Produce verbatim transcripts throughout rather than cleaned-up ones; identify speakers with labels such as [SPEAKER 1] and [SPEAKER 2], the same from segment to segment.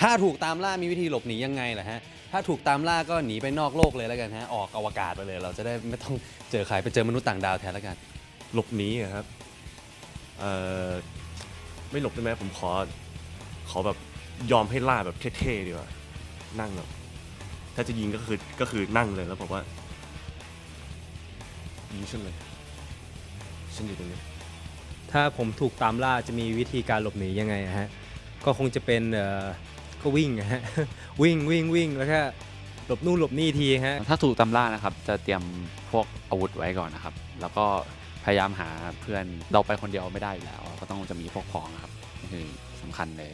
[SPEAKER 1] ถ้าถูกตามล่ามีวิธีหลบหนียังไงล่ะฮะถ้าถูกตามล่าก็หนีไปนอกโลกเลยแล้วกันฮะออกอวกาศไปเลยเราจะได้ไม่ต้องเจอใครไปเจอมนุษย์ต่างดาวแทนแล้วกัน
[SPEAKER 2] หลบหนีอะครับเอ่อไม่หลบได้ไหมผมขอขอแบบยอมให้ล่าแบบเท่ๆดีกว่านั่งแบบถ้าจะยิงก็คือก็คือนั่งเลยแล้วบอกว่ายิงฉันเลยฉันอยู่ตรงนี้
[SPEAKER 3] ถ้าผมถูกตามล่าจะมีวิธีการหลบหนียังไงฮะก็คงจะเป็นเอ่อก็วิ่งฮะ วิ่งวิ่งวิ่งแล้วก็หลบนู่นหลบนี่ทีฮะ
[SPEAKER 4] ถ้าถูกตามล่านะครับจะเตรียมพวกอาวุธไว้ก่อนนะครับแล้วก็พยายามหาเพื่อนเราไปคนเดียวไม่ได้อยู่แล้วก็ต้องจะมีพวกพ้องนะครับนี่คือสำคัญเลย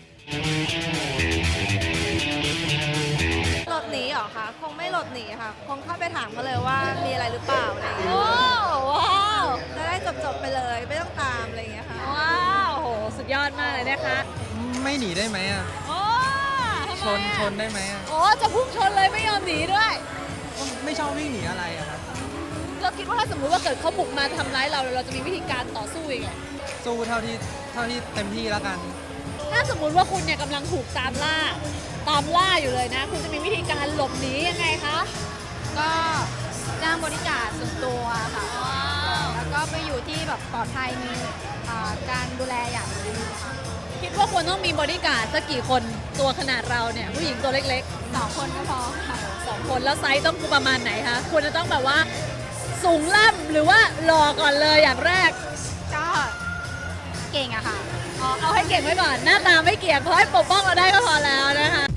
[SPEAKER 5] หลบหนีเหรอคะคงไม่หลบหนีค่ะคงเข้าไปถามเขาเลยว่ามีอะไรหรือเปล่าอะไรอย่างเงี้ย
[SPEAKER 6] โอ้ว้าว
[SPEAKER 5] จะได้จบๆไปเลยไม่ต้องตามอะไรอย่างเงี้ยค่ะ
[SPEAKER 6] ว้าวโหสุดยอดมากเลยนะคะ
[SPEAKER 7] ไม่หนีได้ไหมอ่ะ
[SPEAKER 6] โอ้
[SPEAKER 7] ชนชนได้ไหมอ่ะ
[SPEAKER 6] โอ้จะพุ่งชนเลยไม่ยอมหนีด้วย
[SPEAKER 7] ไม่ชอบวิ่งหนีอะไรอะครับ
[SPEAKER 6] เราคิดว่าถ้าสมมุติว่าเกิดเขาบุกมาทำร้ายเราเราจะมีวิธีการต่อสู้ยังไง
[SPEAKER 7] สู้เท่าที่เท่าที่เต็มที่แล้วกัน
[SPEAKER 6] ถ้าสมมุติว่าคุณเนี่ยกำลังถูกตามล่าตามล่าอยู่เลยนะ คุณจะมีวิธีการหลบหนียังไงคะ
[SPEAKER 5] ก็จ้างบริการส่วนตัวค่ะแล้วก็ไปอยู่ที่แบบปลอดภัยมีอ่าการดูแลอย่างดี
[SPEAKER 6] คิดว่าควรต้องมีบอดี้การ์ดสักกี่คนตัวขนาดเราเนี่ยผู้หญิงตัวเล็ก
[SPEAKER 5] สองคนก็พอค่ะ
[SPEAKER 6] ๆสองคนแล้วไซส์ต้องประมาณไหนคะควรจะต้องแบบว่าสูงล่ำหรือว่าหล่อก่อนเลยอย่างแรก
[SPEAKER 5] ก็เก่งอะค่ะ
[SPEAKER 6] อ๋อเอาให้เก่งไว้ก่อนหน้าตาไม่เกี่ยงเพราะให้ปกป้องเราได้ก็พอแล้วนะคะ